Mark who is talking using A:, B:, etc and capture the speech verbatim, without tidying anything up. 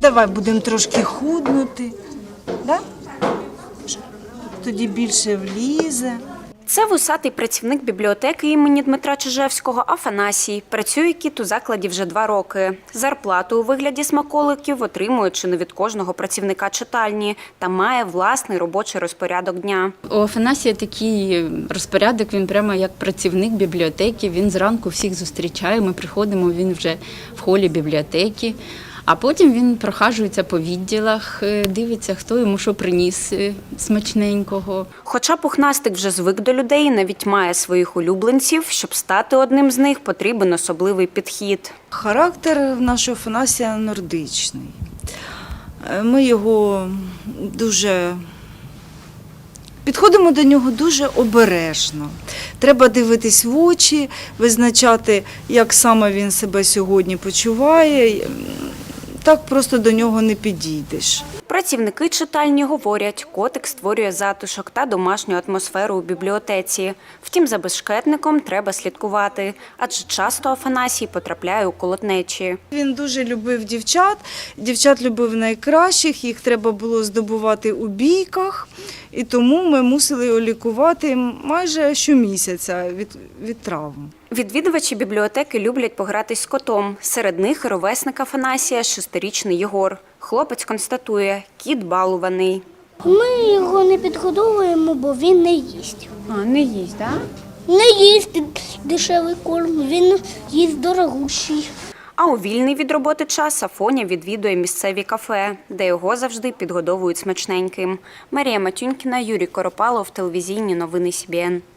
A: Давай будемо трошки худнути, да? Тоді більше влізе.
B: Це вусатий працівник бібліотеки імені Дмитра Чижевського Афанасій. Працює кіт у закладі вже два роки. Зарплату у вигляді смаколиків отримує чи не від кожного працівника читальні та має власний робочий розпорядок дня.
C: У Афанасія такий розпорядок, він прямо як працівник бібліотеки. Він зранку всіх зустрічає, ми приходимо, він вже в холі бібліотеки. А потім він прохаджується по відділах, дивиться, хто йому що приніс смачненького.
B: Хоча пухнастик вже звик до людей і навіть має своїх улюбленців, щоб стати одним з них, потрібен особливий підхід.
A: Характер в нашого Афанасія нордичний. Ми його дуже... Підходимо до нього дуже обережно. Треба дивитись в очі, визначати, як саме він себе сьогодні почуває. Так просто до нього не підійдеш.
B: Працівники читальні говорять, котик створює затишок та домашню атмосферу у бібліотеці. Втім, за безшкетником треба слідкувати, адже часто Афанасій потрапляє у колотнечі.
A: Він дуже любив дівчат, дівчат любив найкращих, їх треба було здобувати у бійках, і тому ми мусили його лікувати майже щомісяця від, від травм.
B: Відвідувачі бібліотеки люблять погратись з котом. Серед них ровесник Афанасія – шестирічний Єгор. Хлопець констатує – кіт балуваний.
D: Ми його не підгодовуємо, бо він не їсть.
B: А, не їсть, так?
D: Не їсть дешевий корм, він їсть дорогущий.
B: А у вільний від роботи час Афоня відвідує місцеві кафе, де його завжди підгодовують смачненьким. Марія Матюнькіна, Юрій Коропалов, телевізійні новини Сі Бі Ен.